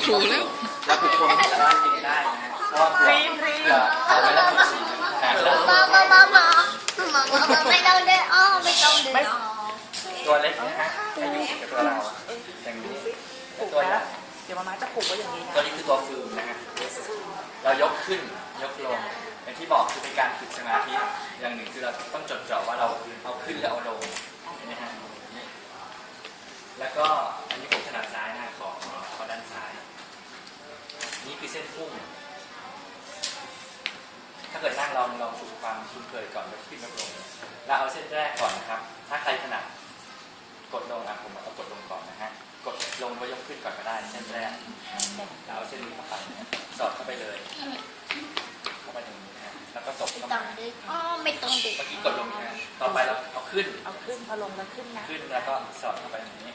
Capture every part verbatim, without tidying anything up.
ครูแล้วแล้วทุกคนสามารถกินได้นะฮะเพราะว่าเผื่อเผื่อเอาไปแล้วฉีดนะแล้วมามามามามามาไม่ต้องเดินอ้อไม่ต้องเดินอ้อตัวเล็กนะฮะให้อยู่กับตัวเราอย่างนี้ตัวใหญ่เดี๋ยวมาม่าจะผูกไว้อย่างนี้นะตัวนี้คือตัวฟืมนะฮะเรายกขึ้นยกลงอย่างที่บอกคือเป็นการฝึกสมาธิอย่างหนึ่งคือเราต้องจดจ่อว่าเราเอาขึ้นแล้วเอาลงเห็นไหมฮะแล้วก็อันนี้ผมถนัดซ้ายนะขอขอด้านซ้ายนี่คือเส้นพุ่งถ้าเกิดนั่งลองลองฝึกความคุ้นเคยก่อนยกขึ้นยกลงเราเอาเส้นแรกก่อนนะครับถ้าใครถนัดกดลงอ่ะผมเอากดลงก่อนนะฮะกดลงก็ยกขึ้นก่อนก็ได้เส้นแรกเราเอาเส้นนี้เข้าไปสอดเข้าไปเลยเข้าไปอย่างนี้นะแล้วก็ตบไม่เข้าต้อมางเดินอ้อไม่ต้องเดินเมื่อกี้กดลงนะต่อไปเราเอาขึ้นเอาขึ้นพอลงแล้วขึ้นนะขึ้นแล้วก็สอดเข้าไปอย่างนี้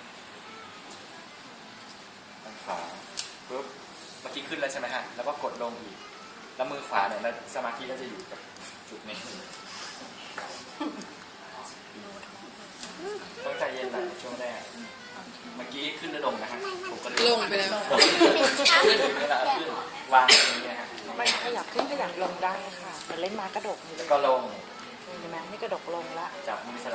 ทางขวาปุ๊บเมื่อกี้ขึ้นแล้วใช่ไหมฮะแล้วก็กดลงอีกแล้วมือขวาเนี่ยแล้วสมาธิก็จะอยู่กับจุดนี้ต้องใจเย็นหน่อยช่วงแรกเมื่อกี้ขึ้นแล้วลงนะฮะผมก็ลงไปแล้วขึ้นเวลาขึ้นวางตรงนี้นะฮะไม่ขยับขึ้นขยับลงได้ค่ะแต่เล่นม้ากระดกนี่เลแล้วยก็ลงเห็นไหมนี่กระดกลงละจับมือสลับ